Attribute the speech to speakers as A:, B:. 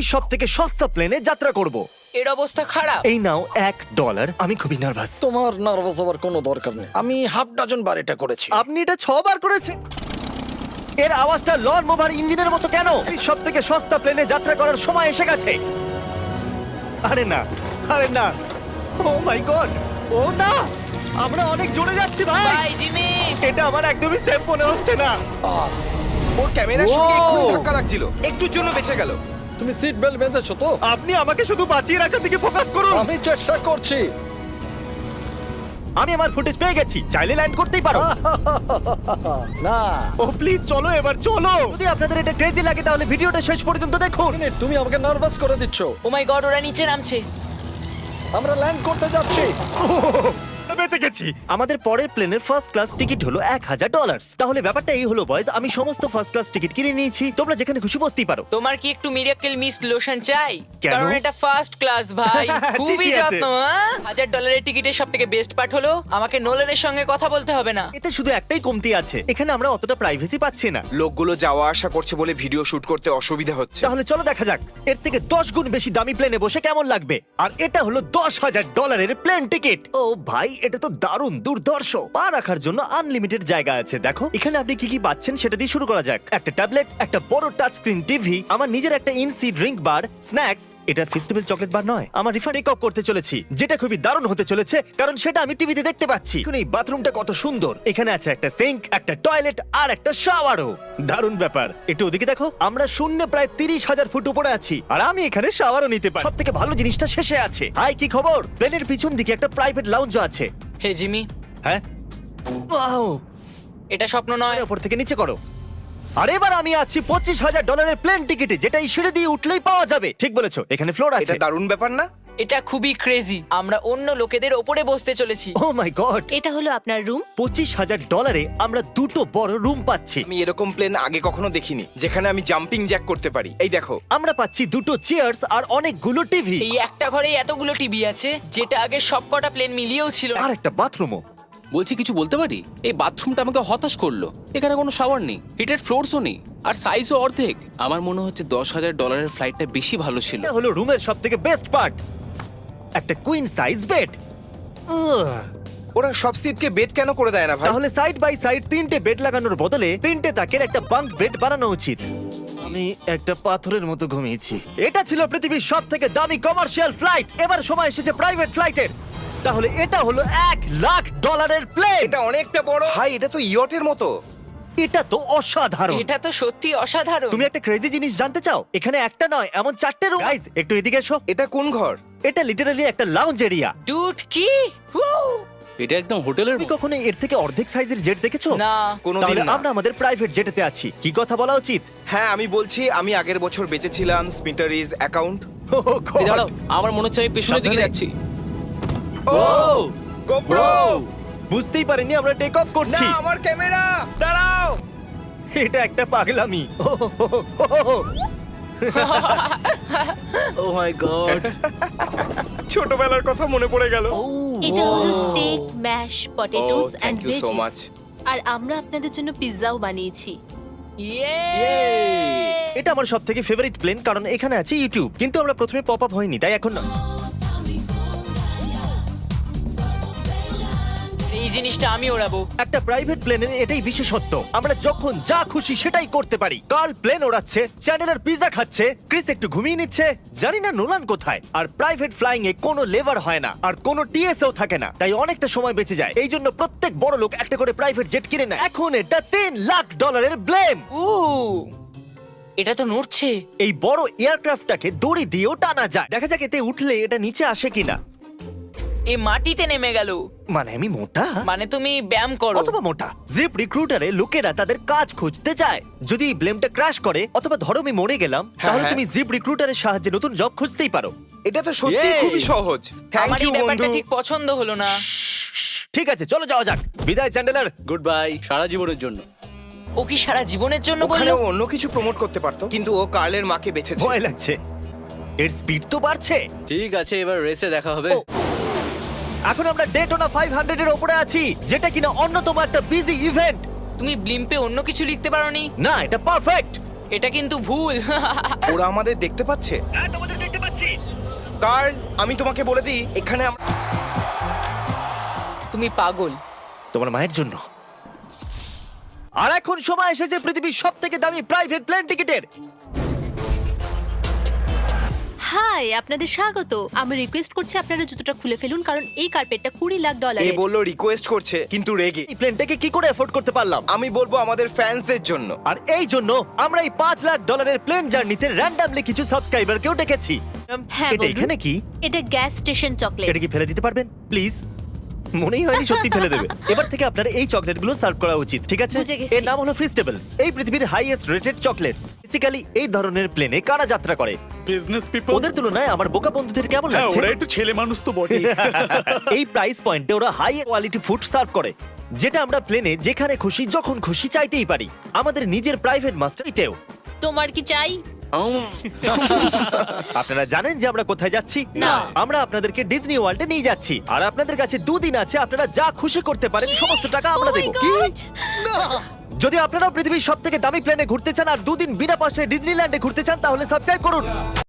A: পৃথিবীর সব থেকে সস্তা প্লেনে যাত্রা করব।
B: এর অবস্থা খারাপ।
A: এই নাও $1। আমি খুবই নার্ভাস।
C: তোমার নার্ভাস হওয়ার কোনো দরকার নেই, আমি হাফ ডজন বার এটা করেছি।
A: আপনি এটা 6 বার করেছেন। এর আওয়াজটা লন মোভার ইঞ্জিনের মতো কেন? এই সব থেকে সস্তা প্লেনে যাত্রা করার সময় এসে গেছে। আরে না, আরে না, ও মাই গড, ও না, আমরা অনেক জোরে যাচ্ছি ভাই।
B: Bye Jimmy.
A: এটা আমার একদমই সেফ মনে হচ্ছে না।
D: ওর ক্যামেরার সঙ্গে এক্ষুনি ধাক্কা লাগছিল, একটুর জন্য বেঁচে গেল।
C: তুমি সিট বেল্ট বেঁধেছো তো?
A: আপনি আমাকে শুধু বাঁচিয়ে রাখার দিকে ফোকাস করুন।
C: আমি চেষ্টা করছি।
A: আমি আমার ফুটেজ পেয়ে গেছি, চাইলে ল্যান্ড করতেই পারো।
C: না,
A: ও প্লিজ চলো, এবার চলো। যদি আপনাদের এটা ক্রেজি লাগে তাহলে ভিডিওটা শেষ পর্যন্ত দেখুন।
C: তুমি আমাকে নার্ভাস করে দিচ্ছ।
B: ও মাই গড, ওরা নিচে নামছে।
C: আমরা ল্যান্ড করতে যাচ্ছি।
A: বেঁচে গেছি। আমাদের পরের প্লেনের ফার্স্ট ক্লাস টিকিট হলো $1000। তাহলে ব্যাপারটা এই হলো বয়েজ, আমি সমস্ত ফার্স্ট ক্লাস টিকিট কিনে নিয়েছি, তোমরা যেখানে খুশি বসতেই পারো।
B: তোমার কি একটু মিরাকেল মিস্ট লোশন চাই?
A: কেন?
B: কারণ এটা ফার্স্ট ক্লাস ভাই, খুবই
A: ঠিকই আছে।
B: যত্ন। $1000 টিকিটের সবথেকে বেস্ট পার্ট হলো আমাকে নোলানের সঙ্গে কথা বলতে হবে না।
A: এতে শুধু একটাই কমতি আছে, এখানে আমরা অতটা প্রাইভেসি পাচ্ছি না।
D: লোকগুলো যাওয়া আসা করছে বলে ভিডিও শুট করতে অসুবিধা হচ্ছে।
A: তাহলে চলো দেখা যাক এর থেকে 10 গুণ বেশি দামি প্লেনে বসে কেমন লাগবে। আর এটা হলো $10,000 প্লেন টিকিট। ও ভাই, এটা তো দারুণ দুর্ধর্ষ। পা রাখার জন্য আনলিমিটেড জায়গা আছে। দেখো এখানে আপনি কি কি পাচ্ছেন সেটা দিয়ে শুরু করা যাক। একটা ট্যাবলেট, একটা বড় টাচ স্ক্রিন টিভি, আমার নিজের একটা ইনসি ড্রিঙ্ক বার, স্ন্যাক্স। এটা ফেস্টিভ্যাল চকলেট বার নয়, আমার রিফান্ড টেক অফ করতে চলেছি, যেটা খুবই দারুণ হতে চলেছে কারণ সেটা আমি টিভিতে দেখতে পাচ্ছি। এখন এই বাথরুমটা কত সুন্দর, এখানে আছে একটা সিঙ্ক, একটা টয়লেট আর একটা শাওয়ারও। দারুণ ব্যাপার। একটু ওদিকে দেখো, আমরা শূন্যে প্রায় 30,000 ফুট উপরে আছি আর আমি এখানে শাওয়ারও নিতে পারি। সব থেকে ভালো জিনিসটা শেষে আছে। হাই, কি খবর? প্লেনের পিছন দিকে একটা প্রাইভেট লাউঞ্জ আছে।
B: হে জিমি,
A: হ্যাঁ, ওয়াও,
B: এটা স্বপ্ন নয়।
A: উপর থেকে নিচে করো। আর এবার আমি আছি $25,000 প্লেন টিকিটে, যেটা এই সিঁড়ি দিয়ে উঠলেই পাওয়া যাবে। ঠিক বলেছো, এখানে ফ্লোর আছে।
D: এটা দারুণ ব্যাপার না?
B: এটা খুবই ক্রেজি। আমরা অন্য লোকেদের ওপরে বসতে চলেছি।
A: ও মাই গড,
E: এটা হলো আপনার রুম।
A: $25,000 আমরা দুটো বড় রুম পাচ্ছি।
D: আমি এরকম প্লেন আগে কখনো দেখিনি যেখানে আমি জাম্পিং জ্যাক করতে পারি। এই দেখো,
A: আমরা পাচ্ছি দুটো চেয়ার্স আর অনেকগুলো টিভি
B: এই একটা ঘরে এতগুলো টিভি আছে, যেটা আগে সবকটা প্লেন মিলিয়েও ছিল না।
A: আর একটা বাথরুমও।
F: বলছি কিছু বলতে পারি? এই বাথরুমটা আমাকে হতাশ করলো। এখানে কোনো শাওয়ার নেই, হিটেড ফ্লোরসও নেই, আর সাইজও অর্ধেক। আমার মনে হচ্ছে $10,000 ফ্লাইটটা বেশি ভালো ছিল।
A: এটা হলো রুমের সবথেকে বেস্ট পার্ট, একটা কুইন সাইজ বেড।
D: ওরা সব সিটকে বেড কেন করে দেয় না ভাই?
A: তাহলে সাইড বাই সাইড 3টে বেড লাগানোর বদলে 3টে তাকের একটা বাঙ্ক বেড বানানো উচিত। আমি একটা পাথরের মতো ঘুমিয়েছি। এটা ছিল পৃথিবীর সব থেকে দামি কমার্শিয়াল ফ্লাইট। এবার সময় এসেছে প্রাইভেট ফ্লাইটের। তাহলে এটা হলো $1,00,000 প্লেন।
D: এটা অনেকটা বড় ভাই, এটা তো ইয়টের মতো।
A: এটা তো অসাধারণ।
B: এটা তো সত্যি অসাধারণ।
A: তুমি একটা ক্রেজি জিনিস জানতে চাও? এখানে একটা নয়, এমন 4টে রুম। গাইস, একটু এদিকে এসো।
D: এটা কোন ঘর?
A: এটা লিটারালি একটা লাউঞ্জ এরিয়া।
B: ডুড, কি? Woo!
F: এটা একদম হোটেলের
A: তুমি কখনো এর থেকে অর্ধেক সাইজের জেট দেখেছো?
B: না।
D: কোনোদিন
A: তাহলে
D: না।
A: আমরা আমাদের প্রাইভেট জেটেতে আছি। কি কথা বলা উচিত?
D: হ্যাঁ, আমি বলছি আমি আগের বছর বেঁচেছিলাম স্মিটারিজ অ্যাকাউন্ট।
A: Oh God!
F: এই দাঁড়াও, আমার মনে হচ্ছে আমি পেছনের দিকে
A: সাবধানে।
F: যাচ্ছি।
D: Oh GoPro!
A: বুঝতেই পারিনি আমরা টেক অফ
D: না,
A: করছি।
D: আমার ক্যামেরা! দাঁড়াও!
A: এটা একটা পাগলামি।
F: Oh my god.
D: ছোটবেলার কথা মনে পড়ে গেল।
E: এটা হলো steak, mash, potatoes
D: Oh,
E: and
D: thank you so
E: veggies.
D: much.
E: আর আমরা আপনাদের জন্য পিৎজাও বানিয়েছি।
B: ইয়ে!
A: এটা আমার সব থেকে ফেভারিট প্লেন কারণ এখানে আছে ইউটিউব। কিন্তু আমরা প্রথমে পপ আপ হয়নি, তাই এখন না।
B: এই জিনিসটা আমি ওড়াবো।
A: একটা প্রাইভেট প্লেনের এটাই বিশেষত্ব, আমরা যখন যা খুশি সেটাই করতে পারি। কার্ল প্লেন ওড়াচ্ছে, চ্যান্ডেলার পিৎজা খাচ্ছে, ক্রিস একটু ঘুমিয়ে নিচ্ছে, জানি না নোলান কোথায়। আর প্রাইভেট ফ্লাইং এ কোনো লেবার হয় না আর কোনো টিএসও থাকে না, তাই অনেকটা সময় বেঁচে যায়। এই জন্য প্রত্যেক বড় লোক একটা করে প্রাইভেট জেট কিনে নেয়। এখন এটা $3,00,000 ব্লেম।
B: উ এটা তো নড়ছে।
A: এই বড় এয়ারক্রাফটটাকে দড়ি দিয়েও টানা যায়। দেখা যাক এতে উঠলে এটা নিচে আসে কিনা।
B: এ মাটিতে নেমে গেল।
A: মানে আমি মোটা?
B: মানে তুমি ব্যায়াম করো।
A: অথবা মোটা। জিপ রিক্রুটারে লোকেরা তাদের কাজ খুঁজতে যায়। যদি এই ব্লেমটা ক্র্যাশ করে অথবা ধরো আমি মরে গেলাম, তাহলে
D: হ্যাঁ।
A: তুমি জিপ রিক্রুটারের সাহায্যে নতুন জব খুঁজতেই পারো।
D: এটা তো সত্যি
F: Yay!
D: খুবই সহজ। থ্যাংক
B: আমার
D: ইউ
B: এই ব্যাপারটা
D: বন্ধু।
B: ঠিক পছন্দ হলো না।
A: ঠিক আছে, চলো যাওয়া যাক। বিদায় চ্যান্ডেলার।
F: গুড বাই, সারা জীবনের জন্য।
B: ও কি সারা জীবনের জন্য
D: ওখানে
B: বললো?
D: ও অন্য কিছু প্রমোট করতে পারতো, কিন্তু ও কার্লের মাকে বেঁচেছে।
A: ভয় লাগছে। এর স্পিড তো বাড়ছে।
F: ঠিক আছে, এবার রেসে দেখা হবে।
A: ও, এখন আমরা ডেটোনা 500 এর উপরে আছি, যেটা কিনা অন্যতম একটা বিজি ইভেন্ট।
B: তুমি ব্লিম্পে অন্য কিছু লিখতে পারোনি?
A: না, এটা পারফেক্ট।
B: এটা কিন্তু ভুল।
D: ওরা আমাদের দেখতে পাচ্ছে? কারণ আমি তোমাকে বলে দিই, এখানে
B: তুমি পাগল।
A: তোমার মায়ের জন্য। আর এখন সময় এসেছে পৃথিবীর সব থেকে দামি প্রাইভেট প্লেন টিকিটের।
E: হাই, আপনাদের স্বাগত। আমি রিকোয়েস্ট করছি আপনারা জুতোটা খুলে ফেলুন, কারণ এই কার্পেটটা $20 লাখ।
D: এ বললো রিকোয়েস্ট করছে, কিন্তু রেগে।
A: এই প্লেনটাকে কি করে এফোর্ড করতে পারলাম?
D: আমি বলবো আমাদের ফ্যান্সদের জন্য।
A: আর এই জন্য আমরা এই $5 লাখ প্লেন জার্নিতে র্যান্ডমলি কিছু সাবস্ক্রাইবারকেও ডেকেছি।
E: হ্যাঁ,
A: এটা
E: বলুন।
A: এখানে কি?
E: এটা গ্যাস স্টেশন চকলেট।
A: এটা কি ফেলে দিতে পারবেন প্লিজ? মনেই হয়নি সত্যি ফেলে দেবে। এবার থেকে আপনার এই চকলেটগুলো সার্ভ করা উচিত, ঠিক আছে?
E: বুঝে গেছি।
A: এর নাম হলো ফিস্টেবলস। এই পৃথিবীর হাইয়েস্ট রেটেড চকলেটস। বেসিক্যালি এই ধরনের প্লেনে কারা যাত্রা করে?
G: Business people.
A: ওদের তুলনায় আমার বোকা বন্ধুদের কেমন
G: হ্যাঁ,
A: লাগছে?
G: ওরা একটু ছেলে মানুষ তো বটে।
A: এই প্রাইস পয়েন্টে ওরা হাই কোয়ালিটি ফুড সার্ভ করে, যেটা আমরা প্লেনে যেখানে খুশি যখন খুশি চাইতেই পারি। আমাদের নিজের প্রাইভেট মাস্টার এটাও।
E: তোমার কি চাই?
A: আপনারা জানেন যে আমরা কোথায় যাচ্ছি?
E: না।
A: আমরা আপনাদেরকে ডিজনি ওয়ার্ল্ডে নিয়ে যাচ্ছি, আর আপনাদের কাছে 2 দিন আছে। আপনারা যা খুশি করতে পারেন, সমস্ত টাকা আমরা
E: Oh my
A: দেবো।
E: God!
A: যদি আপনারাও পৃথিবীর সব থেকে দামি প্লেনে ঘুরতে চান আর 2 দিন বিনা পয়সায় ডিজনিল্যান্ডে ঘুরতে চান, তাহলে সাবস্ক্রাইব করুন।